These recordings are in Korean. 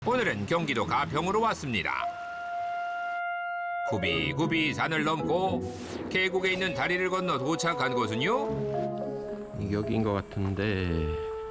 오늘은 경기도 가평으로 왔습니다. 굽이굽이 산을 넘고 계곡에 있는 다리를 건너 도착한 곳은요. 여기인 것 같은데.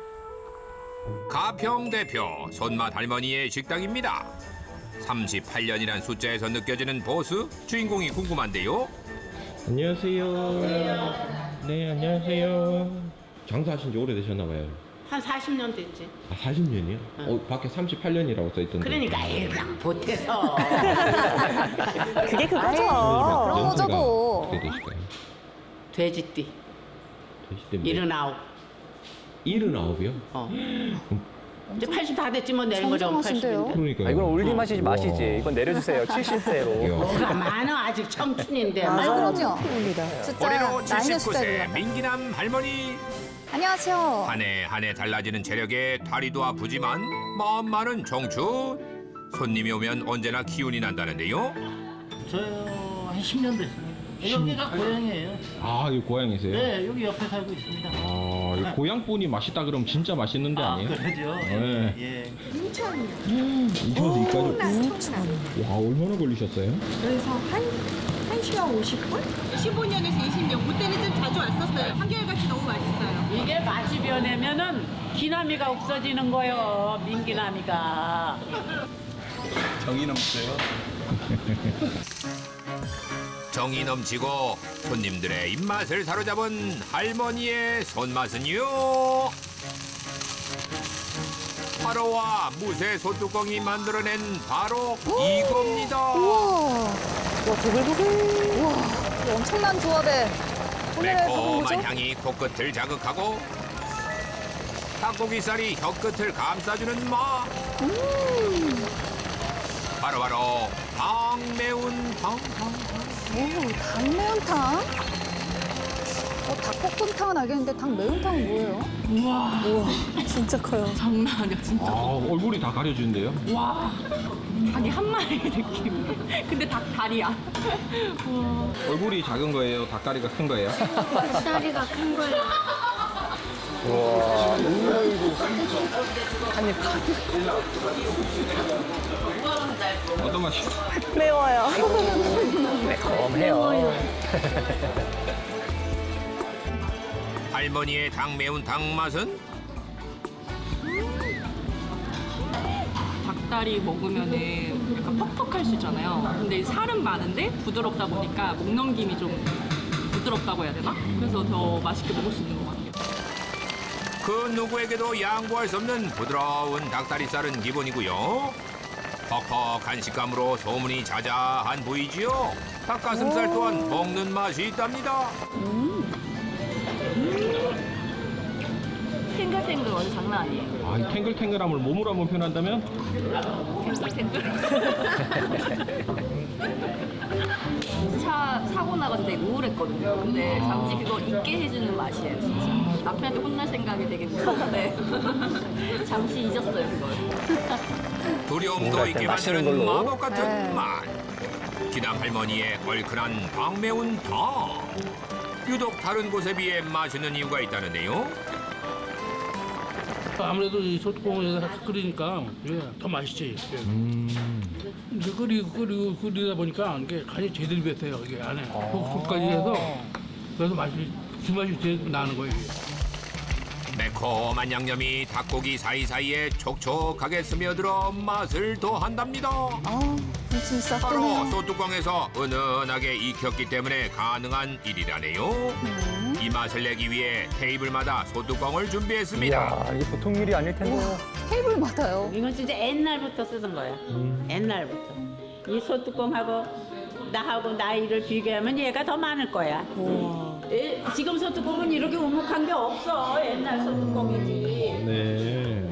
가평 대표 손맛 할머니의 식당입니다. 38년이란 숫자에서 느껴지는 보스, 주인공이 궁금한데요. 안녕하세요. 네, 안녕하세요. 장사하신 지 오래되셨나 봐요. 한 40년 됐지. 아, 40년이요? 밖에 38년이라고 써있던데. 그러니까 그냥 보태서. 그게 그거죠. 연세가 저도. 어떻게 되실까요? 돼지띠. 되실 때문에. 79. 79이요? 이제 80 다 됐지 뭐 내린 거죠. 정정하신데요? 80인데. 그러니까요. 아, 이건 올리 마시지 마시지. 이건 내려주세요. 70세로. 뭐가 많아 아직 청춘인데. 맞아요. 그럼요. 진짜 올해로 나이는 79세 숫자예요. 민기남 할머니. 안녕하세요. 한 해 달라지는 체력에 다리도 아프지만 마음만은 청춘. 손님이 오면 언제나 기운이 난다는데요. 저요 한 10년 됐습니다. 여기가 고향이에요. 아, 여기 고향이세요? 네, 여기 옆에 살고 있습니다. 아, 이 고향분이 맛있다 그러면 진짜 맛있는데 아니에요? 그러죠. 네. 예. 인천에서 이까지. 와, 얼마나 걸리셨어요? 그래서 한 시간 50분? 15년에서 20년. 그때는 좀 자주 왔었어요. 한결같이 너무 맛있어요. 이게 맛이 변하면은 기나미가 없어지는 거요. 민기나미가. 정이 넘쳐요. 정이 넘치고 손님들의 입맛을 사로잡은 할머니의 손맛은요. 화로와 무쇠 소뚜껑이 만들어낸 바로 이겁니다. 우와. 와, 보글보글. 우와. 이 엄청난 조합에 오늘의 밥은 뭐죠? 매콤한 향이 코끝을 자극하고 닭고기살이 혀끝을 감싸주는 맛. 바로바로 당매운탕. 오, 닭매운탕? 닭볶음탕은 알겠는데 닭매운탕은 뭐예요? 우와. 진짜 커요. 장난 아니야 진짜. 아, 얼굴이 다 가려지는데요? 와 닭이 한 마리 느낌. 근데 닭 다리야. 얼굴이 작은 거예요? 닭다리가 큰 거예요? 다리가 큰 거예요. 어떤 맛이? 매워요. 매콤해요. 할머니의 당매운탕 맛은 닭다리 먹으면은 약간 퍽퍽할 수 있잖아요. 근데 살은 많은데 부드럽다 보니까 목 넘김이 좀 부드럽다고 해야 되나? 그래서 더 맛있게 먹을 수 있는 것 같아요. 그 누구에게도 양보할 수 없는 부드러운 닭다리살은 기본이고요. 퍽퍽한 식감으로 소문이 자자한 부위지요. 닭가슴살 또한 먹는 맛이 있답니다. 탱글탱글 완전 장난 아니에요. 아, 이 탱글탱글함을 몸으로 한번 표현한다면? 사고 나가서 되게 우울했거든요. 근데 잠시 그걸 잊게 해주는 맛이에요, 진짜. 남편한테 혼날 생각이 되게 무서운데 잠시 잊었어요, 그걸. 두려움도 뭔가 있게 맛있는 만드는 걸로. 마법 같은 네. 맛. 기남 할머니의 얼큰한 당매운탕. 유독 다른 곳에 비해 맛있는 이유가 있다는데요. 아무래도 이 소뚜껑에서 끓이니까 더 맛있지. 이제 끓이다 보니까 이게 간이 제대로 뱄어요. 이게 안에 속까지 해서 그래서 맛이 그 맛이 제일 나는 거예요. 이게. 매콤한 양념이 닭고기 사이사이에 촉촉하게 스며들어 맛을 더한답니다. 아, 군침이 싹 바로 도네요. 소뚜껑에서 은은하게 익혔기 때문에 가능한 일이라네요. 이 맛을 내기 위해 테이블마다 소뚜껑을 준비했습니다. 이야, 이게 보통 일이 아닐 텐데. 테이블마다요. 이건 진짜 옛날부터 쓰던 거야. 옛날부터. 이 소뚜껑하고 나하고 나이를 비교하면 얘가 더 많을 거야. 지금 소뚜껑은 이렇게 우묵한 게 없어. 옛날 소뚜껑이지. 네.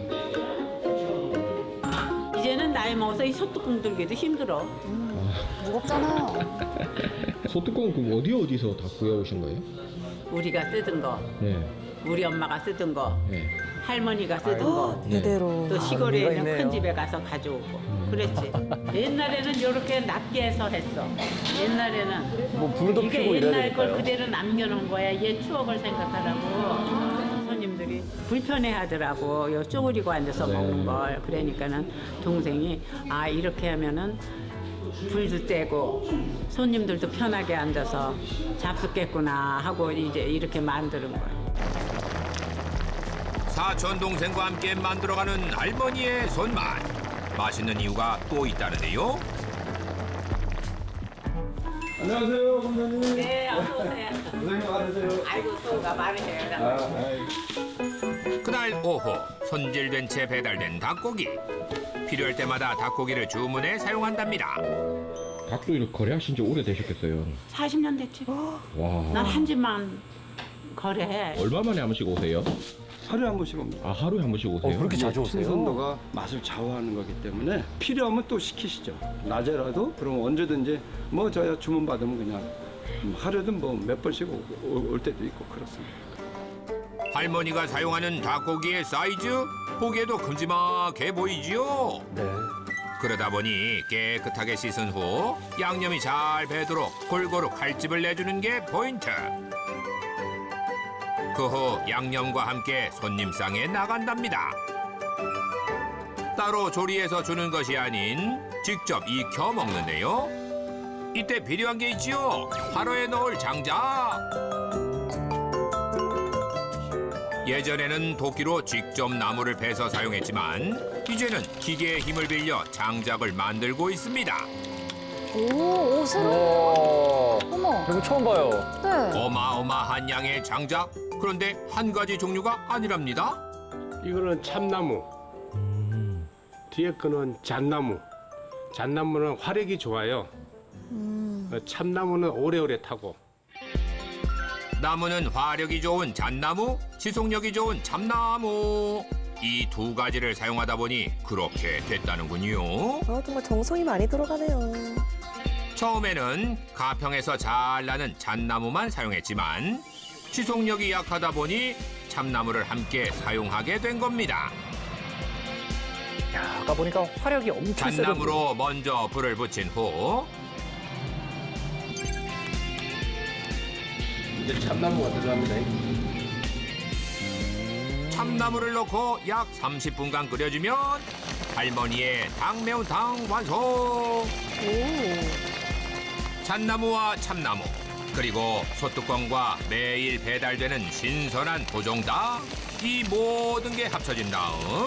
이제는 나이 먹어서 이 소뚜껑 들기도 힘들어. 무겁잖아요. 소뚜껑 그럼 어디서 다 구해오신 거예요? 우리가 쓰던 거, 네. 우리 엄마가 쓰던 거, 네. 할머니가 쓰던 거, 이대로. 또 시골에 의미가 있는 큰 있네요. 집에 가서 가져오고. 그랬지. 옛날에는 이렇게 낮게 해서 했어. 옛날에는. 뭐 불도 이게 피고 이래야 옛날 걸 되니까요. 그대로 남겨놓은 거야. 옛 추억을 생각하라고 손님들이. 동생이 불편해하더라고. 요 쪼그리고 앉아서 먹는 걸. 그러니까는 동생이 아 이렇게 하면은 불도 떼고 손님들도 편하게 앉아서 잡숫겠구나 하고 이제 이렇게 만드는 거예요. 사촌 동생과 함께 만들어가는 할머니의 손맛. 맛있는 이유가 또 있다는데요. 안녕하세요, 선생님. 네, 어서 오세요. 선생님 많으세요. 아이고 수고가 많으세요. 그날 오후 손질된 채 배달된 닭고기. 필요할 때마다 닭고기를 주문해 사용한답니다. 닭도 이렇게 거래하신 지 오래되셨겠어요. 40년 됐지. 와. 난 한 집만 거래해. 얼마 만에 한 번씩 오세요? 하루에 한 번씩 옵니다. 아, 하루에 한 번씩 오세요? 그렇게 자주 오세요? 신선도가 맛을 좌우하는 거기 때문에 필요하면 또 시키시죠. 낮에라도 그럼 언제든지 뭐 저야 주문 받으면 그냥 하루든 뭐 몇 번씩 올 때도 있고 그렇습니다. 할머니가 사용하는 닭고기의 사이즈 보기에도 큼지막해 보이지요. 네. 그러다 보니 깨끗하게 씻은 후 양념이 잘 배도록 골고루 칼집을 내주는 게 포인트. 그 후 양념과 함께 손님상에 나간답니다. 따로 조리해서 주는 것이 아닌 직접 익혀 먹는데요. 이때 필요한 게 있지요. 화로에 넣을 장작. 예전에는 도끼로 직접 나무를 베서 사용했지만 이제는 기계의 힘을 빌려 장작을 만들고 있습니다. 오, 새로워. 와, 어머. 이거 처음 봐요. 네. 어마어마한 양의 장작. 그런데 한 가지 종류가 아니랍니다. 이거는 참나무. 뒤에 거는 잣나무. 잣나무는 화력이 좋아요. 참나무는 오래오래 타고. 나무는 화력이 좋은 잣나무, 지속력이 좋은 참나무. 이 두 가지를 사용하다 보니 그렇게 됐다는군요. 정말 정성이 많이 들어가네요. 처음에는 가평에서 잘 나는 잣나무만 사용했지만 지속력이 약하다 보니 참나무를 함께 사용하게 된 겁니다. 야, 아까 보니까 화력이 엄청 세던데. 잣나무로 먼저 불을 붙인 후 이제 참나무가 들어갑니다. 참나무를 넣고 약 30분간 끓여주면 할머니의 닭매운탕 완성! 잣나무와 참나무 그리고 소뚜껑과 매일 배달되는 신선한 도종닭 이 모든 게 합쳐진 다음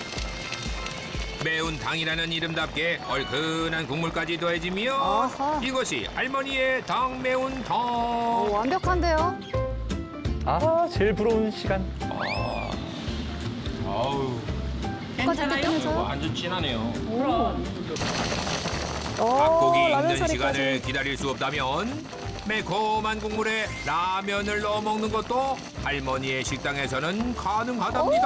매운탕이라는 이름답게 얼큰한 국물까지 더해지며 아하. 이것이 할머니의 닭매운탕. 오, 완벽한데요? 아, 제일 부러운 시간. 아우, 괜찮아요? 완전 진하네요. 그럼. 닭고기 라면 익는 사리까지. 시간을 기다릴 수 없다면 매콤한 국물에 라면을 넣어 먹는 것도 할머니의 식당에서는 가능하답니다.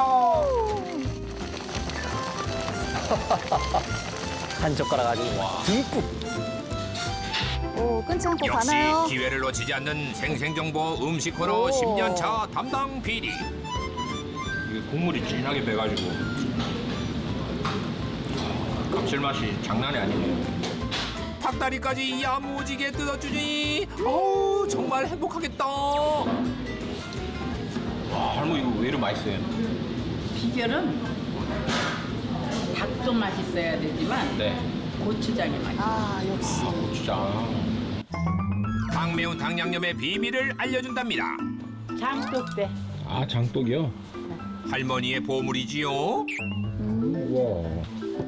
한 젓가락 아주 듬뿍. 오, 끊지 않고 역시 가나요? 기회를 놓치지 않는 생생정보 음식 코너 10년차 담당 PD. 이게 국물이 진하게 배가지고 감칠맛이 장난이 아니네요. 닭다리까지 야무지게 뜯어주니 어우 정말 행복하겠다. 와, 할머니 이거 왜 이렇게 맛있어요? 비결은 닭도 맛있어야 되지만 네. 고추장이 맛있어. 아, 역시. 고추장. 닭매운탕 양념의 비밀을 알려준답니다. 장독대. 아, 장독이요? 할머니의 보물이지요. 우와.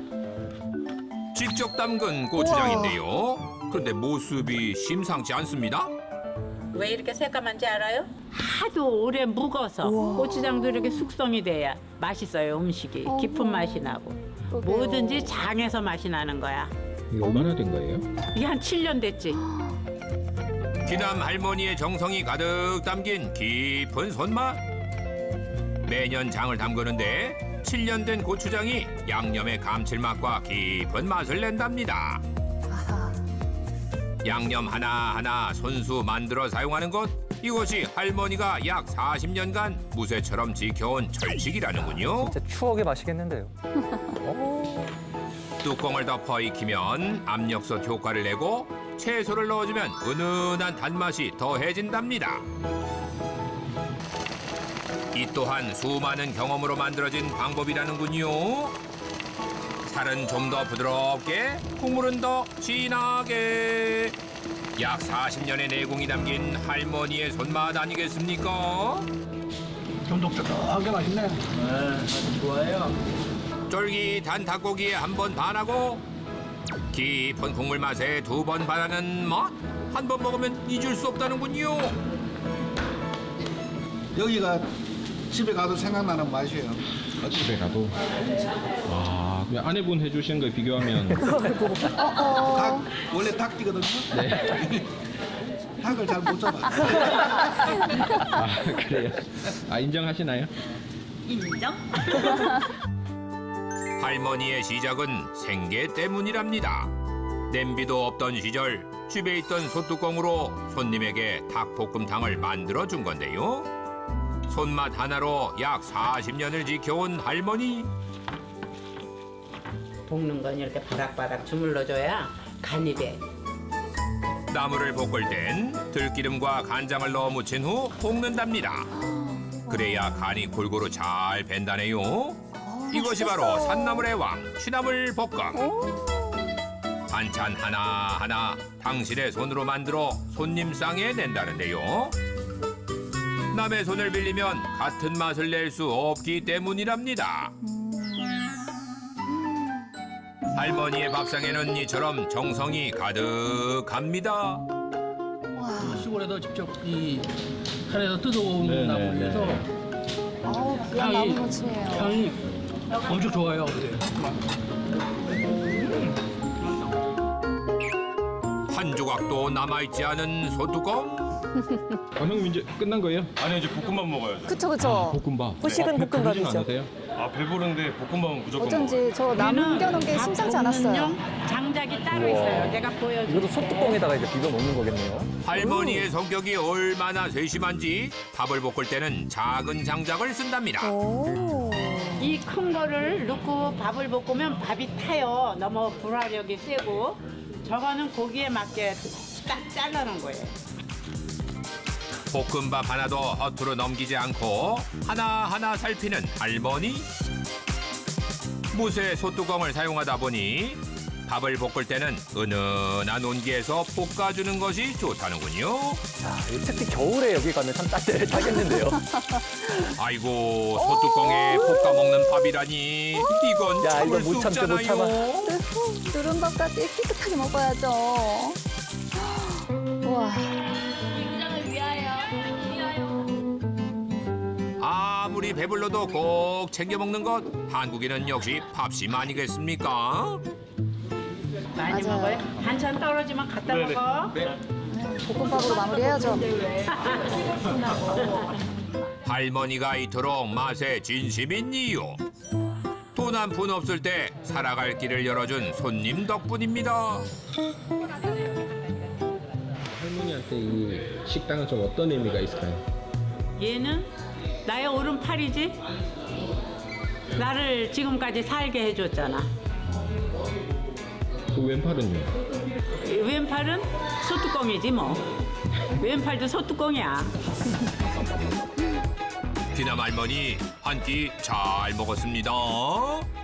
직접 담근 고추장인데요. 그런데 모습이 심상치 않습니다. 왜 이렇게 새까만지 알아요? 하도 오래 묵어서 고추장도 이렇게 숙성이 돼야 맛있어요. 음식이 깊은 맛이 나고 그러게요. 뭐든지 장에서 맛이 나는 거야. 이게 얼마나 된 거예요? 이게 한 7년 됐지. 기남 할머니의 정성이 가득 담긴 깊은 손맛. 매년 장을 담그는데 7년 된 고추장이 양념의 감칠맛과 깊은 맛을 낸답니다. 아하. 양념 하나하나 손수 만들어 사용하는 것 이것이 할머니가 약 40년간 무쇠처럼 지켜온 철칙이라는군요. 진짜 추억의 맛이겠는데요. 뚜껑을 덮어 익히면 압력솥 효과를 내고 채소를 넣어주면 은은한 단맛이 더해진답니다. 이 또한 수많은 경험으로 만들어진 방법이라는군요. 살은 좀 더 부드럽게, 국물은 더 진하게. 약 40년의 내공이 담긴 할머니의 손맛 아니겠습니까? 쫀득쫀득하게 맛있네. 쫄깃한 닭고기에 한 번 반하고 깊은 국물 맛에 두 번 반하는 맛. 한 번 먹으면 잊을 수 없다는군요. 여기가 집에 가도 생각나는 맛이에요. 집에 가도. 아, 그냥 아내분 해주시는 거 비교하면. 닭, 원래 닭띠거든요. 네. 닭을 잘 못 잡아. 아, 그래요? 아, 인정하시나요? 인정? 할머니의 시작은 생계 때문이랍니다. 냄비도 없던 시절 집에 있던 솥뚜껑으로 손님에게 닭볶음탕을 만들어 준 건데요. 손맛 하나로 약 40년을 지켜온 할머니. 볶는 건 이렇게 바락바락 주물러줘야 간이 돼. 나물을 볶을 땐 들기름과 간장을 넣어 무친 후 볶는답니다. 그래야 간이 골고루 잘 밴다네요. 이것이 바로 산나물의 왕, 취나물 볶음. 반찬 하나하나 당신의 손으로 만들어 손님 상에 낸다는데요. 남의 손을 빌리면 같은 맛을 낼 수 없기 때문이랍니다. 할머니의 밥상에는 이처럼 정성이 가득합니다. 시골에서 직접 이 산에서 뜯어온 네네네. 나물에서 아우, 귀한 향이- 나무무침이에요. 향이 엄청 좋아요. 근데. 한 조각도 남아있지 않은 소뚜껑. 아, 형님 이제 끝난 거예요? 아니 이제 볶음밥 먹어야죠. 그쵸, 그쵸. 볶음밥. 후식은 아, 배부르진 볶음밥이죠. 않으세요? 아 배부른데 볶음밥은 무조건 어쩐지 저 남겨놓은 게 심상치 않았어요. 장작이 따로 있어요. 내가 보여줄게. 이것도 소뚜껑에다가 이제 비벼 먹는 거겠네요. 할머니의 성격이 얼마나 세심한지 밥을 볶을 때는 작은 장작을 쓴답니다. 오. 이 큰 거를 넣고 밥을 볶으면 밥이 타요. 너무 불화력이 세고. 저거는 고기에 맞게 딱 잘라놓은 거예요. 볶음밥 하나도 허투루 넘기지 않고 하나하나 살피는 할머니. 무쇠 솥뚜껑을 사용하다 보니 밥을 볶을 때는 은은한 온기에서 볶아주는 것이 좋다는군요. 자, 특히 겨울에 여기 가면 참 따뜻하겠는데요. 아이고, 솥뚜껑에 볶아 먹는 밥이라니 이건 야, 참을 이거 수 못 참죠, 못 없잖아요. 누른밥까지 깨끗하게 먹어야죠. 우와. 아무리 배불러도 꼭 챙겨 먹는 것 한국인은 역시 밥심 아니겠습니까? 많이 맞아요. 먹어요. 반찬 떨어지면 갖다 네네. 먹어. 볶음밥으로 마무리해야죠. 할머니가 이토록 맛에 진심인 이유. 돈 한 푼 없을 때 살아갈 길을 열어준 손님 덕분입니다. 할머니한테 이 식당은 좀 어떤 의미가 있을까요? 얘는 나의 오른팔이지. 나를 지금까지 살게 해줬잖아. 그 왼팔은요? 왼팔은 소뚜껑이지 뭐. 왼팔도 소뚜껑이야. 귀남 할머니 한 끼 잘 먹었습니다.